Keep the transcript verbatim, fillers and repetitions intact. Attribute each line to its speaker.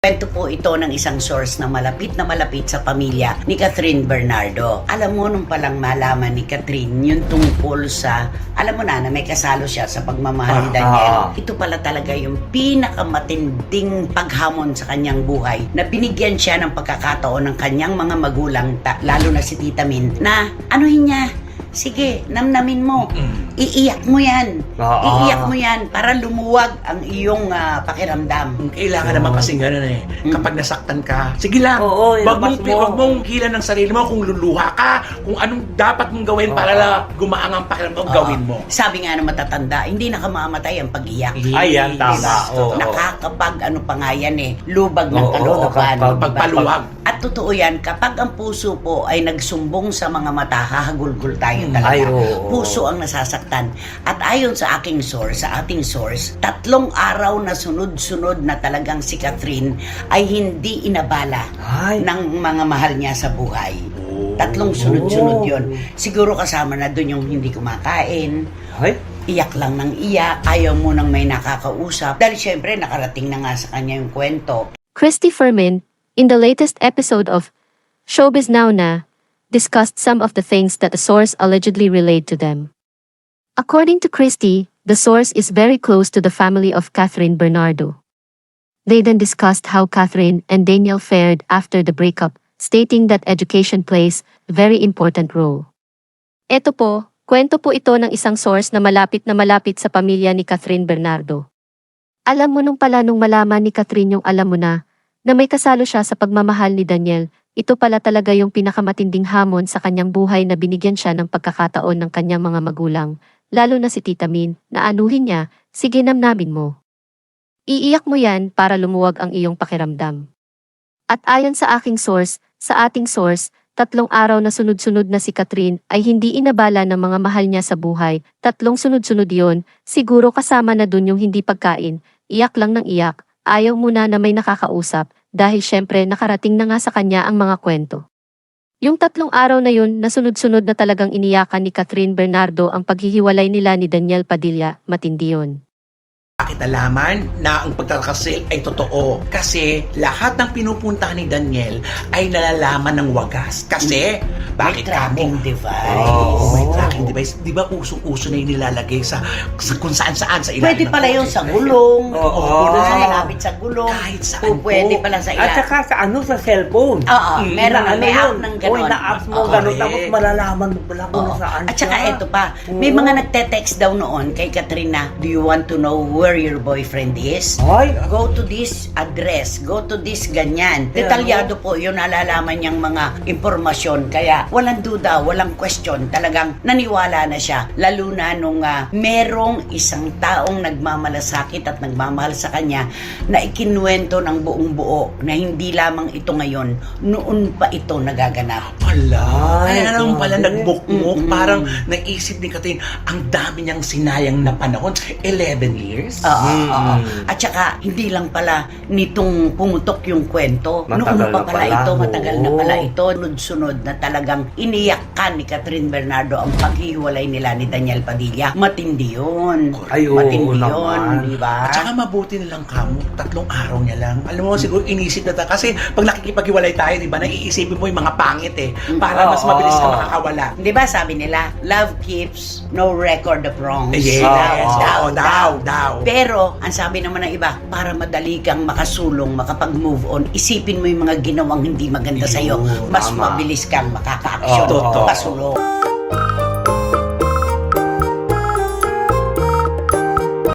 Speaker 1: Kwento po ito ng isang source na malapit na malapit sa pamilya ni Catherine Bernardo. Alam mo, nung palang malaman ni Catherine yung tungkol sa, alam mo na, na may kasalo siya sa pagmamahal ni Daniel.
Speaker 2: Ah, ah.
Speaker 1: Ito pala talaga yung pinakamatinding paghamon sa kanyang buhay na binigyan siya ng pagkakataon ng kanyang mga magulang, ta- lalo na si Tita Min, na anuhin niya, sige, namnamin mo. Iiyak mo yan.
Speaker 2: Ah,
Speaker 1: Iiyak
Speaker 2: ah.
Speaker 1: mo yan para lumuwag ang iyong ah, pakiramdam.
Speaker 3: Kailangan naman kasi gano'n eh. Kapag nasaktan ka, sige lang.
Speaker 2: Oo,
Speaker 3: wag mong,
Speaker 2: ilabas mo.
Speaker 3: wag mong hilan ng sarili mo kung luluha ka, kung anong dapat mong gawin para
Speaker 2: Oo.
Speaker 3: la gumaang ang pakiramdam,
Speaker 1: Oo.
Speaker 3: gawin mo.
Speaker 1: Sabi nga ng matatanda, hindi nakamamatay ang pag-iyak.
Speaker 2: Ayan, tama.
Speaker 1: Diba?
Speaker 2: Oo.
Speaker 1: Nakakapag ano pa nga yan eh, lubag ng
Speaker 2: Oo,
Speaker 1: kalooban.
Speaker 2: nakakapag-
Speaker 1: diba?
Speaker 3: pagpaluwag.
Speaker 1: At totoo yan, kapag ang puso po ay nagsumbong sa mga mata, hahagulgul tayo
Speaker 3: Mm.
Speaker 1: talaga.
Speaker 2: Ay, oo.
Speaker 1: Puso ang nasasaktan. At ayon sa aking source, sa ating source, tatlong araw na sunod-sunod na talagang si Catherine ay hindi inabala
Speaker 2: Ay.
Speaker 1: ng mga mahal niya sa buhay.
Speaker 3: Oh.
Speaker 1: Tatlong sunod-sunod
Speaker 2: Oh.
Speaker 1: yon. Siguro kasama na doon yung hindi kumakain,
Speaker 2: Ay.
Speaker 1: iyak lang ng iyak, ayaw mo nang may nakakausap. Dahil syempre nakarating na nga sa kanya yung kwento.
Speaker 4: Christy Fermin, in the latest episode of Showbiz Now Na, discussed some of the things that the source allegedly relayed to them. According to Christy, the source is very close to the family of Catherine Bernardo. They then discussed how Catherine and Daniel fared after the breakup, stating that education plays a very important role. Ito po, kwento po ito ng isang source na malapit na malapit sa pamilya ni Catherine Bernardo. Alam mo nung pala nung malaman ni Catherine yung alam mo na, na may kasalo siya sa pagmamahal ni Daniel, ito pala talaga yung pinakamatinding hamon sa kanyang buhay na binigyan siya ng pagkakataon ng kanyang mga magulang, lalo na si Tita Min, na anuhin niya, sige namnamin mo. Iiyak mo yan para lumuwag ang iyong pakiramdam. At ayon sa aking source, sa ating source, tatlong araw na sunod-sunod na si Catherine ay hindi inabala ng mga mahal niya sa buhay, tatlong sunod-sunod yon, siguro kasama na dun yung hindi pagkain, iyak lang ng iyak, ayaw muna na may nakakausap, dahil syempre nakarating na nga sa kanya ang mga kwento. Yung tatlong araw na yun na sunod-sunod na talagang iniyakan ni Catherine Bernardo ang paghihiwalay nila ni Daniel Padilla, matindi yun.
Speaker 3: Bakit nalaman na ang pagkakasil ay totoo? Kasi lahat ng pinupuntahan ni Daniel ay nalalaman ng wagas. Kasi, bakit
Speaker 1: May tracking
Speaker 3: kamo?
Speaker 1: device.
Speaker 3: Oh, may tracking device. Di ba usong-uso na yung nilalagay sa, sa kung saan-saan sa ilalim
Speaker 1: Pwede
Speaker 3: ng
Speaker 1: pala yun
Speaker 3: kotse?
Speaker 1: sa gulong,
Speaker 2: Oo.
Speaker 1: o doon sa malapit sa gulong,
Speaker 3: Kahit saan
Speaker 1: o pwede
Speaker 3: po.
Speaker 1: pala sa
Speaker 2: At
Speaker 1: ilalim.
Speaker 2: saka sa ano, sa cellphone.
Speaker 1: Oo,
Speaker 3: Mm,
Speaker 1: meron
Speaker 2: Na
Speaker 1: may
Speaker 2: ano
Speaker 1: app
Speaker 2: yun?
Speaker 1: ng
Speaker 2: Uy,
Speaker 1: gano'n.
Speaker 2: na-apps mo
Speaker 1: Oo.
Speaker 2: gano'n,
Speaker 3: Correct.
Speaker 2: tapos malalaman mo pala kung
Speaker 1: Oo.
Speaker 2: nasaan
Speaker 1: At saka
Speaker 2: siya.
Speaker 1: ito pa, may
Speaker 2: Oo.
Speaker 1: mga nagte-text daw noon kay Katrina, do you want to know where your boyfriend is?
Speaker 2: Ay.
Speaker 1: Go to this address, go to this ganyan.
Speaker 2: Yeah,
Speaker 1: Detalyado po yun, nalalaman niyang mga impormasyon. Kaya walang duda, walang question, talagang naniwala na siya. Lalo na nung ah, merong isang taong nagmamalasakit at nagmamahal sa kanya na ikinuwento ng buong buo na hindi lamang ito ngayon, noon pa ito nagaganap.
Speaker 3: Wala.
Speaker 2: Ay,
Speaker 3: Kaya naman pala
Speaker 2: grabe.
Speaker 3: nagbukmok.
Speaker 1: Mm-mm.
Speaker 3: Parang naisip ni Catherine, ang dami niyang sinayang na panahon. eleven years?
Speaker 1: Oo,
Speaker 2: Mm.
Speaker 1: oo. At saka, hindi lang pala nitong pumutok yung kwento.
Speaker 2: Matagal
Speaker 1: Noon pa
Speaker 2: na
Speaker 1: pala
Speaker 2: pala.
Speaker 1: ito, matagal na
Speaker 2: Oo.
Speaker 1: pala ito. Sunod-sunod na talagang iniyakan ni Catherine Bernardo ang paghihiwalay nila ni Daniel Padilla. Matindi yun.
Speaker 2: Ay, oo
Speaker 1: Matindi yun,
Speaker 2: naman.
Speaker 1: di ba?
Speaker 3: At saka mabuti na lang kamo, tatlong araw niya lang. Alam mo, siguro inisip na ta. Kasi pag nakikipaghiwalay tayo, di ba, naiisipin mo yung mga pangit eh. Para mas
Speaker 2: Oo.
Speaker 3: mabilis ka makakawala.
Speaker 1: Di ba sabi nila, love keeps no record of wrongs.
Speaker 3: Yes,
Speaker 2: Oo.
Speaker 3: daw, daw, daw.
Speaker 1: Pero, ang sabi naman ng iba, para madali kang makasulong, makapag-move on, isipin mo yung mga ginawang hindi maganda
Speaker 3: Yun,
Speaker 1: sa'yo. Mas
Speaker 2: tama.
Speaker 1: mabilis kang makaka-action,
Speaker 2: Oo.
Speaker 1: pasulong.